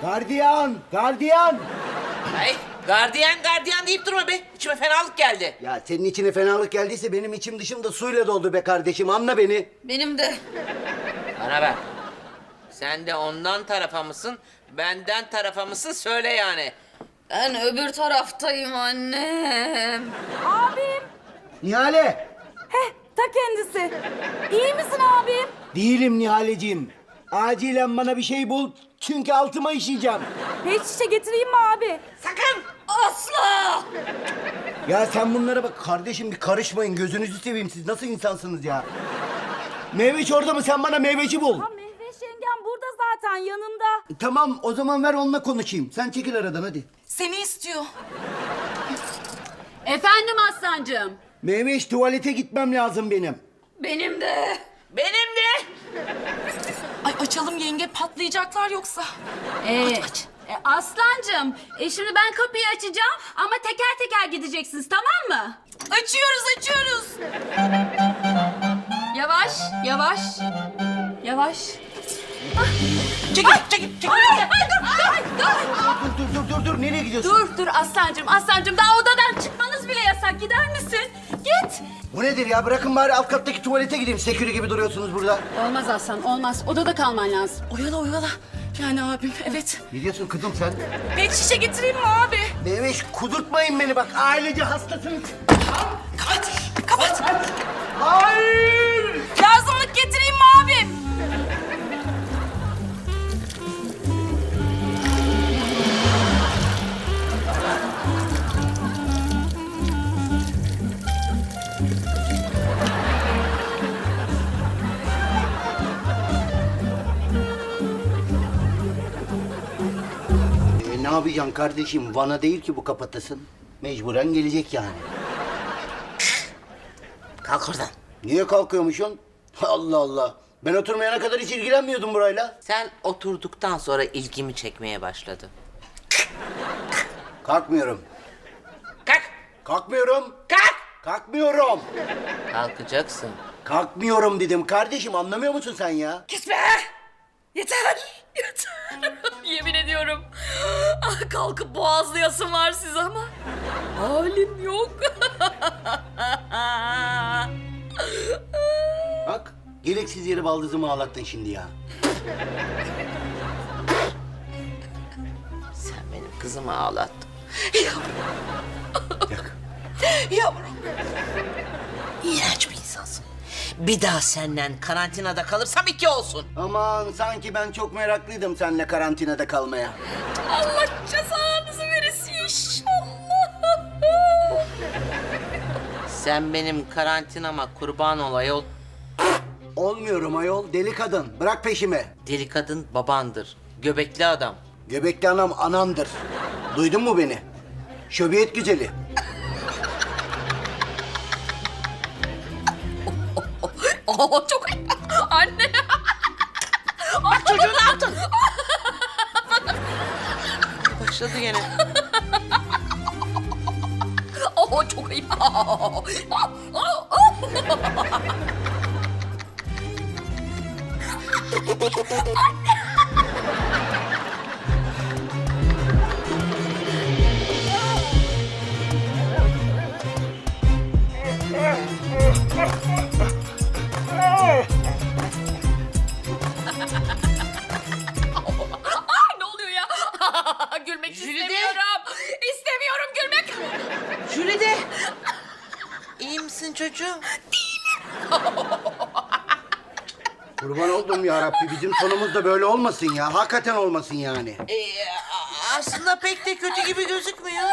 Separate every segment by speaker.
Speaker 1: Gardiyan, gardiyan.
Speaker 2: Ay gardiyan deyip durma be. İçime fenalık geldi.
Speaker 1: Ya senin içine fenalık geldiyse benim içim dışım da suyla doldu be kardeşim. Anla beni.
Speaker 3: Benim de.
Speaker 2: Bana bak. Sen de ondan tarafa mısın, benden tarafa mısın söyle yani.
Speaker 3: Ben öbür taraftayım annem.
Speaker 4: Abim.
Speaker 1: Nihale.
Speaker 4: Heh, ta kendisi. İyi misin abim?
Speaker 1: Değilim Nihaleciğim. Acilen bana bir şey bul. Çünkü altıma işeyeceğim.
Speaker 4: Pet şişe getireyim mi abi?
Speaker 2: Sakın!
Speaker 3: Asla!
Speaker 1: Ya sen bunlara bak kardeşim, bir karışmayın. Gözünüzü seveyim, siz nasıl insansınız ya? Meyveç orada mı? Sen bana meyveci bul.
Speaker 4: Ha Mehveş yengem burada zaten yanımda.
Speaker 1: Tamam, o zaman ver onunla konuşayım. Sen çekil aradan hadi.
Speaker 4: Seni istiyor.
Speaker 5: Efendim Aslancığım.
Speaker 1: Meyveç, tuvalete gitmem lazım benim.
Speaker 3: Benim de.
Speaker 2: Benim de!
Speaker 4: Ay açalım yenge, patlayacaklar yoksa.
Speaker 5: Aslancığım, şimdi ben kapıyı açacağım ama teker teker gideceksiniz, tamam mı?
Speaker 4: Açıyoruz.
Speaker 5: Yavaş, yavaş, yavaş.
Speaker 2: Çekil!
Speaker 1: Dur, nereye gidiyorsun?
Speaker 5: Dur Aslancığım, daha odadan çıkmanız bile yasak. Gider misin? Git.
Speaker 1: Bu nedir ya? Bırakın bari alt kattaki tuvalete gideyim. Sekürü gibi duruyorsunuz burada.
Speaker 5: Olmaz Aslan, olmaz. Odada kalman lazım.
Speaker 4: Oyala. Yani abim, evet.
Speaker 1: Ne diyorsun kızım sen?
Speaker 4: Pet şişe getireyim mi abi?
Speaker 1: Meyveş, kudurtmayın beni bak. Ailece hastasınız.
Speaker 4: Kapat.
Speaker 1: Hayır!
Speaker 4: Lazımlık getireyim mi abim?
Speaker 1: Ne yapacaksın kardeşim? Van'a değil ki bu kapatasın. Mecburen gelecek yani.
Speaker 2: Kalk oradan.
Speaker 1: Niye kalkıyormuşsun? Allah Allah. Ben oturmayana kadar hiç ilgilenmiyordum burayla.
Speaker 2: Sen oturduktan sonra ilgimi çekmeye başladı.
Speaker 1: Kalkmıyorum.
Speaker 2: Kalk!
Speaker 1: Kalkmıyorum.
Speaker 2: Kalk!
Speaker 1: Kalkmıyorum.
Speaker 2: Kalkacaksın.
Speaker 1: Kalkmıyorum dedim. Kardeşim anlamıyor musun sen ya?
Speaker 4: Gitme. Yeter. Yemin ediyorum. Kalkıp boğazlayasım var size ama halim yok.
Speaker 1: Bak, gereksiz yere baldızımı ağlattın şimdi ya.
Speaker 2: Sen benim kızımı ağlattın.
Speaker 1: Yak.
Speaker 2: Yavrum. İğrenç bir insansın. Bir daha senden karantinada kalırsam 2 olsun.
Speaker 1: Aman sanki ben çok meraklıydım seninle karantinada kalmaya.
Speaker 4: Allah cezanızı verirsin inşallah.
Speaker 2: Sen benim karantinama kurban ol ayol.
Speaker 1: Olmuyorum ayol, deli kadın. Bırak peşimi.
Speaker 2: Deli kadın babandır. Göbekli adam.
Speaker 1: Göbekli anam anamdır. Duydun mu beni? Şöbiyet güzeli.
Speaker 4: Çok anne.
Speaker 2: Bak çocuğu ne yaptın? Başladı gene.
Speaker 4: Çok ayıp. Ne oluyor ya? Gülmek
Speaker 2: Jülide.
Speaker 4: istemiyorum. İstemiyorum gülmek.
Speaker 2: Jülide. İyi misin çocuğum?
Speaker 1: Kurban oldum ya Rabbi. Bizim sonumuz da böyle olmasın ya. Hakikaten olmasın yani.
Speaker 2: Aslında pek de kötü gibi gözükmüyor.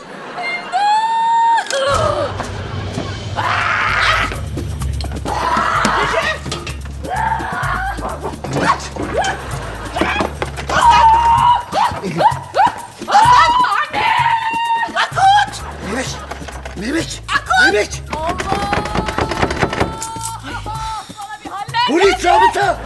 Speaker 1: Mehmet! Mehmet! Mehmet! Polis zabıta!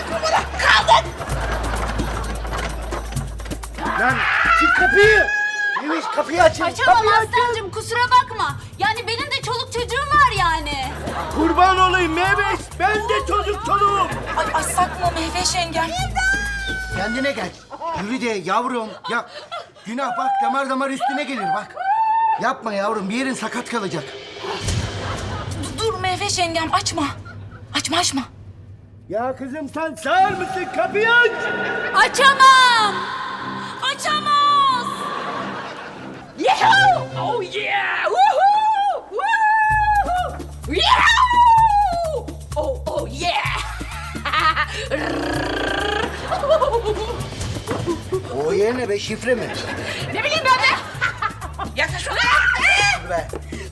Speaker 1: Lan çık kapıyı! Mehmet kapıyı açın!
Speaker 5: Açamam
Speaker 1: Kapıyı açın!
Speaker 5: Aslancığım, kusura bakma. Yani benim de çoluk çocuğum var yani.
Speaker 1: Kurban olayım Mehmet! Ben de çocuk çoluğum!
Speaker 4: Ay açsak mı Mehveş yengem?
Speaker 1: Kendine gel. Yürü de yavrum. Ya günah bak damar damar üstüne gelir bak. Yapma yavrum bir yerin sakat kalacak.
Speaker 4: Dur Mehveş yengem açma. Açma.
Speaker 1: Ya kızım sen sağır mısın? Kapıyı aç.
Speaker 5: Açamam.
Speaker 4: Açamaz.
Speaker 5: Yahoo! Oh yeah! Woohoo! Woohoo! Yahoo! Oh yeah!
Speaker 1: O yerine be şifre mi?
Speaker 5: Ne bileyim ben de. Yaklaş bana.
Speaker 1: Dur be.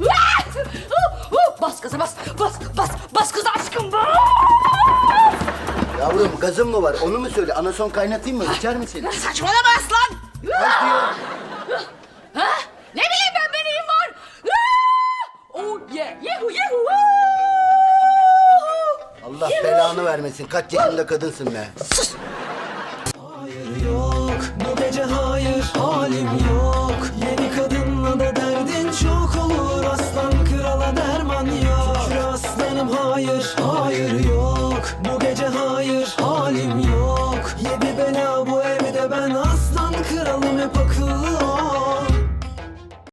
Speaker 5: Bas gaza bas. Bas kız aşkım bas.
Speaker 1: Yavrum gazın mı var? Onu mu söyle? Anason kaynatayım mı? İçer misin?
Speaker 5: Saçmalama aslan.
Speaker 1: Gaz diyor.
Speaker 5: Ha? Ne bileyim ben neyim var. Oh yeah! Yahoo!
Speaker 1: Allah belanı vermesin. Kaç yaşında kadınsın be.
Speaker 6: Hayır yok, bu gece hayır, halim yok. Yeni kadınla da derdin çok olur. Aslan krala derman yok. Şükür aslanım hayır, hayır yok. Bu gece hayır, halim yok. Yedi bela bu evde ben aslan kralım hep akıllı